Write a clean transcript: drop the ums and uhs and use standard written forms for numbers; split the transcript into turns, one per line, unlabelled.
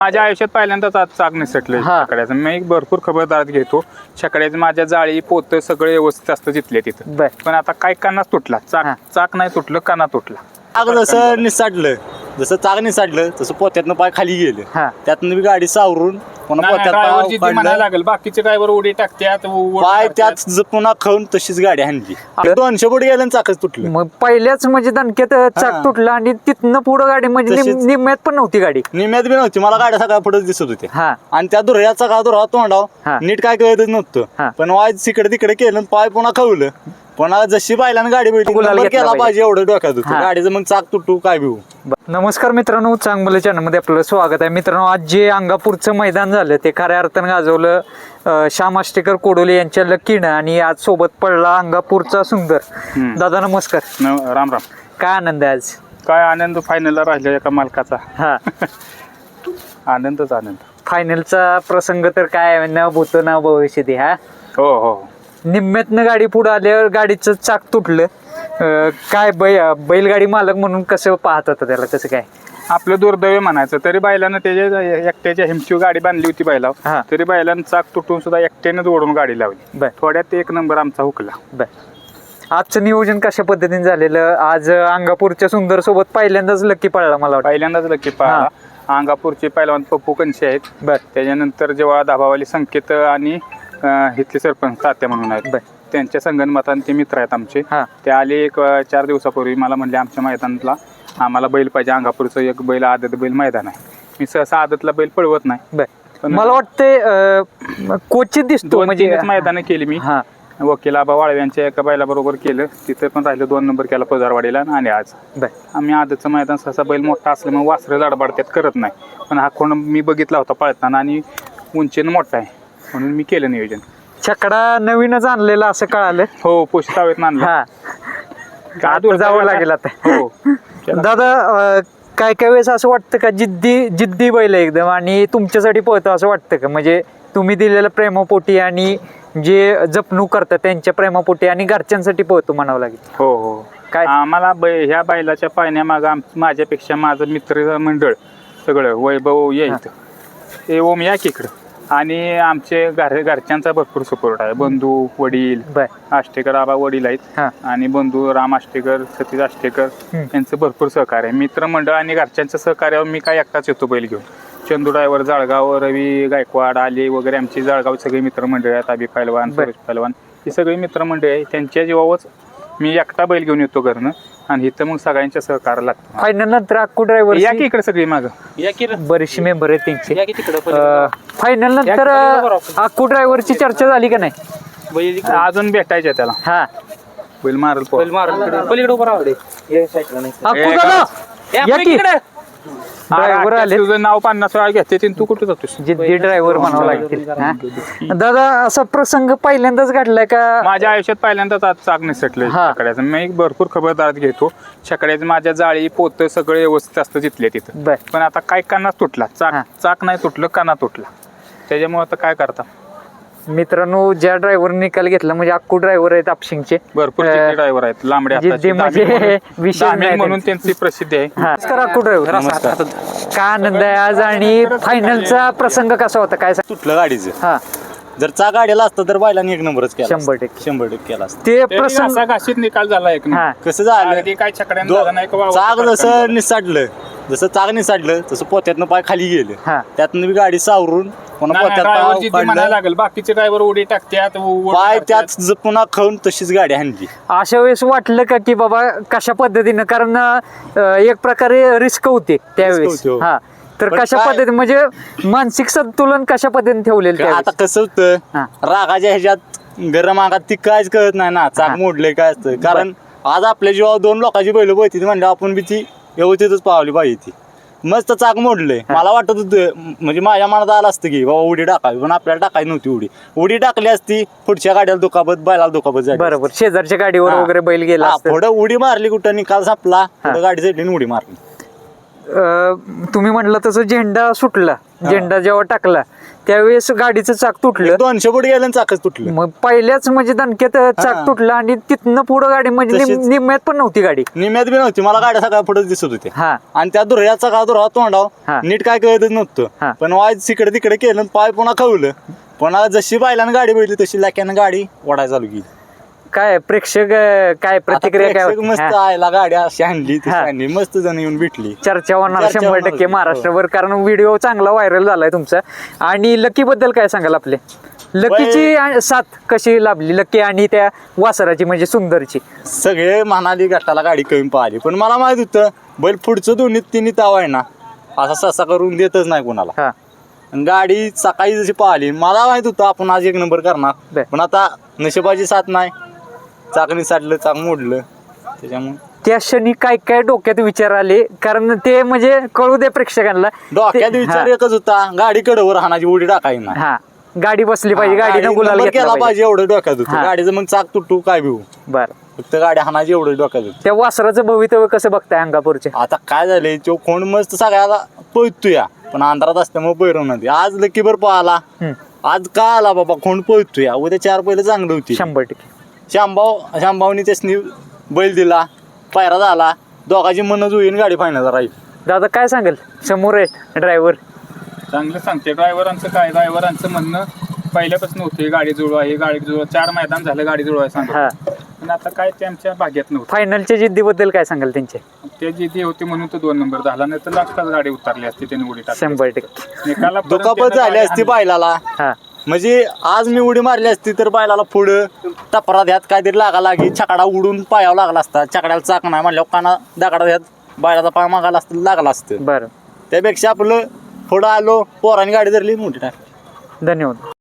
माझ्या आयुष्यात पहिल्यांदाच आज चाक निसटले छकड्याचं. मी भरपूर खबरदारी घेतो छकड्याचं. माझ्या जाळी पोत सगळे व्यवस्थित असतं तिथले तिथं. पण आता काय कानाच तुटला, चाक नाही तुटलं, काना तुटला.
जसं निसाटलं, जसं चाक निसाटलं तसं पोत्यातनं पाय खाली गेलं, त्यातनं मी गाडी सावरून पुन्हा पोत्यात
म्हणायला लागेल. बाकीचे ड्रायव्हर उडी टाकतात,
पाय त्यात पुन्हा खाऊन तशीच गाडी हाणली. 200 फूट गेलं चाकच तुटलं.
मग पहिल्याच म्हणजे दणक्यात चाक तुटलं आणि तिथनं पुढं गाडी म्हणजे निम्म्यात पण नव्हती गाडी.
निम्यात बी नव्हती. मला गाड्या सगळ्या पुढे दिसत होत्या आणि त्या दुर्याचा का दुरा तोंडाव नीट काय कळतच नव्हतं. पण वाय तिकडे तिकडे केलं, पाय पुन्हा खवलं. पुन्हा जशी पाहिल्यानं गाडी भेटली केला पाहिजे एवढं डोक्यात होतं गाडीचं. मग चाक तुटू काय भिवू.
नमस्कार मित्रांनो, चांगलं चॅनल मध्ये आपलं स्वागत आहे. मित्रांनो, आज जे अंगापूरचं मैदान झालं ते खऱ्या अर्थानं गाजवलं श्याम आष्टेकर कोडोले यांच्या लकीनं, आणि आज सोबत पडला अंगापूरचा सुंदर. दादा नमस्कार.
राम राम.
काय आनंद आहे आज?
काय आनंद, फायनलला राहिला एका मालकाचा. आनंदच आनंद. फायनलचा
प्रसंग तर काय न भूत न भविष्यती.
हो हो.
निम्म्यातनं गाडी पुढे आल्यावर गाडीचं चाक तुटलं. काय बैलगाडी मालक म्हणून कसं पाहत होता त्याला, कसं काय?
आपलं दुर्दैव म्हणायचं. तरी बैलानं त्याच्या एकट्याच्या हिमची गाडी बांधली होती बैला, तरी बैलानं चाक तुटून सुद्धा एकट्यानेच ओढून गाडी लावली. थोड्यात एक नंबर आमचा हुकला.
आजचं नियोजन कशा पद्धतीने झालेलं? आज अंगापूरच्या सुंदर सोबत पहिल्यांदाच लकी पळला. मला वाटतं
पहिल्यांदाच लकी पळाला. अंगापूरचे पहिलवान पप्पू कंशे आहेत. त्याच्यानंतर जेव्हा धाबावाली संकेत आणि इथले सरपंच तात्या म्हणून आहेत, त्यांच्या संगणमताने ते मित्र आहेत आमचे. ते आले एक 4 दिवसापूर्वी. मला म्हणले आमच्या मैदानातला आम्हाला बैल पाहिजे. अंगापूरचं एक बैल आदत बैल मैदान आहे. मी सहसा आदतला बैल पळवत नाही.
मला वाटतं क्वचित दिसतो.
म्हणजे मैदानं केली मी. वकील आबा वाळवे यांच्या एका बैलाबरोबर केलं. तिथे पण राहिलं, 2 नंबर केला पजारवाडीला. आणि आज आम्ही आदतचं मैदान सहसा बैल मोठा असल्यामुळे वासरं लाडबाडत्यात करत नाही. पण हा कोण मी बघितला होता पळताना आणि उंचीनं मोठा आहे म्हणून मी केलं नियोजन.
छकडा नवीनच आणलेला असं कळालं.
हो, पुष्तावेत आणला.
दूर जावं लागेल आता. हो दादा, काय काय वेळेस असं वाटतं का जिद्दी बैल एकदम आणि तुमच्यासाठी पळतो असं वाटतं का? म्हणजे तुम्ही दिलेल्या प्रेमापोटी आणि जे जपणूक करतात त्यांच्या प्रेमापोटी आणि घरच्यांसाठी पळतो म्हणावं लागेल.
हो हो. काय आम्हाला ह्या बैलाच्या पाळण्यामाग माझ्यापेक्षा माझं मित्र मंडळ सगळं वैभव यायचं. ते ओम या इकडं. आणि आमचे घरच्यांचा भरपूर सपोर्ट आहे. बंधू वडील आष्टेकर आबा वडील आहेत आणि बंधू राम आष्टेकर, सतीश आष्टेकर यांचं भरपूर सहकार्य आहे. मित्रमंडळ आणि घरच्यांचं सहकार्यावर मी काय एकटाच येतो बैल घेऊन. चंदू ड्रायव्हर जळगाव, रवी गायकवाड आले वगैरे आमची जळगाव सगळी मित्रमंडळ आहेत. अभि पैलवान, सुरेश पैलवान, ही सगळी मित्रमंडळ आहे. त्यांच्या जीवावरच मी एकटा बैल घेऊन येतो घरनं आणि इथं मग सगळ्यांच्या सहकार्य लागतं.
फायनल नंतर अक्कू ड्रायव्हर
या की इकडे सगळी माग
बरेचसे मेंबर आहेत त्यांचे. फायनल नंतर अक्कू ड्रायव्हरची चर्चा झाली का नाही?
अजून भेटायचे त्याला. बैल मारल
पलीकडे उभं राहू दे. अक्कू दादा या की. ड्रायव्हर आले.
तुझं नाव 50 वेळा घेते. तू कुठे जातोस?
जिद्दी ड्रायव्हर म्हणावं लागेल. दादा, असा प्रसंग पहिल्यांदाच घडलाय का?
माझ्या आयुष्यात पहिल्यांदाच आज चाक निसटले छकड्याचं. मी भरपूर खबरदारी घेतो छकड्याचं. माझ्या जाळी पोत सगळे व्यवस्थित असतं तिथले तिथं. पण आता काय कानाच तुटला, चाक नाही तुटलं, काना तुटला. त्याच्यामुळे आता काय करता
मित्रांनो, ज्या ड्रायव्हर निकाल घेतला म्हणजे अक्कू ड्रायव्हर आहेत आपशिंगचे.
भरपूर ड्रायव्हर आहेत लांबडे म्हणून त्यांची प्रसिद्धी आहे.
अक्कू ड्रायव्हर, काय आनंद आहे आज. आणि फायनलचा प्रसंग कसा होता काय?
तुटलं गाडीचं. जर चाक गाडीला असतं तर बैलांनी 1 नंबरच केला.
100%
केला असतं.
ते प्रसंग
घाशीत निकाल झाला. एक
कसं झालं,
काय छकड्यानं
चाक जसं निसाटलं, जसं चाक निसाटलं तसं पोत्यातनं पाय खाली गेलं, त्यातनं मी गाडी सावरून पुन्हा
म्हणायला लागेल. बाकीचे ड्रायव्हर उडी टाकतात,
पाय त्यात पुन्हा खाऊन तशीच गाडी हाणली.
अशा वेळेस वाटलं का की बाबा कशा पद्धतीनं, कारण एक प्रकारे रिस्क होते त्यावेळेस. तर कशा पद्धतीने म्हणजे मानसिक संतुलन कशा पद्धतीने ठेवलेलं?
आता कसं होतं, रागाच्या ह्याच्यात गरम आगात ती कायच कळत नाही ना चाक मोडले काय असतं. कारण आज आपल्या जीवावर 2 लोकांची बैल होती म्हणजे आपण बी ती व्यवस्थितच पावली पाहिजे. ती मस्त चाक मोडलंय. मला वाटत होतं, म्हणजे माझ्या मनात आलं असतं की बाबा उडी टाकावी, पण आपल्याला टाकायची नव्हती. उडी टाकली असती, पुढच्या गाड्याला दुखापत, बैलाला दुखापत झाली.
बरोबर, शेजारच्या गाडीवर वगैरे बैल गेला.
पुढे उडी मारली, कुठं निकाल संपला, गाडी चढली उडी मारली.
तुम्ही म्हटलं तसं झेंडा सुटला झेंडा जेव्हा टाकला त्यावेळेस गाडीचं चाक तुटलं.
200 फूट गेलं आणि चाकच तुटलं.
मग पहिल्याच म्हणजे दणक्यात चाक तुटलं आणि तिथनं पुढं गाडी म्हणजे
तशीच.
निम्म्यात पण नव्हती गाडी.
निम्यात बी नव्हती, मला गाड्या सगळ्या पुढे दिसत होत्या.
हा
आणि त्या दुर्याचा का दुरा
हा.
तोंडाव नीट काय कळतच
हा.
नव्हतं. पण वाज तिकडे तिकडे केलं, पाय पुन्हा खवलं. पुन्हा जशी बैलानं गाडी बघितली तशी लाक्यानं गाडी ओढायला चालू केली.
काय प्रेक्षक काय प्रतिक्रिया
आता
काय
प्रेक्षक
होती?
मस्त
हा.
आयला गाडी अशी आणली तशी
हा.
आणली, मस्त जण येऊन भेटली.
चर्चा होणार
चर्चा
100%
होणार.
महाराष्ट्रभर, कारण व्हिडिओ चांगला व्हायरल झालाय तुमचा. आणि लकी बद्दल काय सांगाल आपले? लकीची साथ कशी लाभली लकी आणि त्या वासराची म्हणजे सुंदरची?
सगळे म्हणाली गटाला गाडी कमी पाहिली, पण मला माहित होतं बैल पुढचं दोन्ही तिन्ही ताव आहे ना असा ससा करून देतच नाही कोणाला.
हा
आणि गाडी सकाळी जशी पाहिली मला माहित होतं आपण आज 1 नंबर करणार.
बर.
पण आता नशिबाची साथ नाही, चाकणी साडलं, चाक मोडलं, त्याच्यामुळे
त्या क्षणी काय काय डोक्यात विचार आले? कारण ते म्हणजे कळू दे प्रेक्षकांना.
डोक्यात विचार एकच होता, गाडी कडवर हाणाची उडी टाकायची नाही.
हा गाडी बसली पाहिजे,
हा,
गाडीनं
गाडी
गुलाल
नंबर
घेतला
केला
पाहिजे.
पाहिजे एवढं डोक्यात होतं.
हा.
गाडीचं मग चाक तुटू काय भिऊ,
बर.
फक्त गाडी हाणाची एवढं डोक्यात होतं.
त्या वासराचं भवितव्य कसं बघताय अंगापूरच्या?
आता काय झालंय, तो खोंड मस्त सगळ्याला पळतोय, पण अंधारात असल्यामुळे बैरवणार नाही. आज लकीभर पळाला, आज का आला बाबा खोंड पळतोय. उद्या 4 पहिले चांगलं होती.
100%.
शांभावनी त्यासनी बैल दिला, पायरा झाला, दोघांची मन जुळून गाडी फायनल राहील.
दादा काय सांगेल? समोर आहे ड्रायव्हर.
चांगलं सांगते. ड्रायव्हरांचं काय, ड्रायव्हरांचं म्हणणं पहिल्यापासून होते गाडी जुळवा, हे गाडी जुळवा. 4 मैदान झालं गाडी जुळवाय
हा.
सांगत, पण आता काय ते आमच्या भाग्यात नव्हतं.
फायनलच्या जिद्दीबद्दल काय सांगाल त्यांच्या?
ते जिद्दी होती म्हणून तो 2 नंबर झाला, नाही तर लास्टच गाडी उतरली असती त्यांनी उडी टाकली.
100%.
निकाला परत
दुखापत
त्यानं
झाली
गाडी
असती
हाणली.
बैलाला.
हा
म्हणजे आज मी उडी मारली असती तर बैलाला पुढं टपरा ह्यात काहीतरी लागा लागी, छकडा उडून पायावर लागला असता. छकड्याला चाक नाही म्हणल्यावर काना दगडा ह्यात बैलाचा पाय मागायला असतं, लागला असतं.
बरं.
त्यापेक्षा आपलं पुढं आलो, पोरांनी गाडी धरली, मोठी टाकली.
धन्यवाद.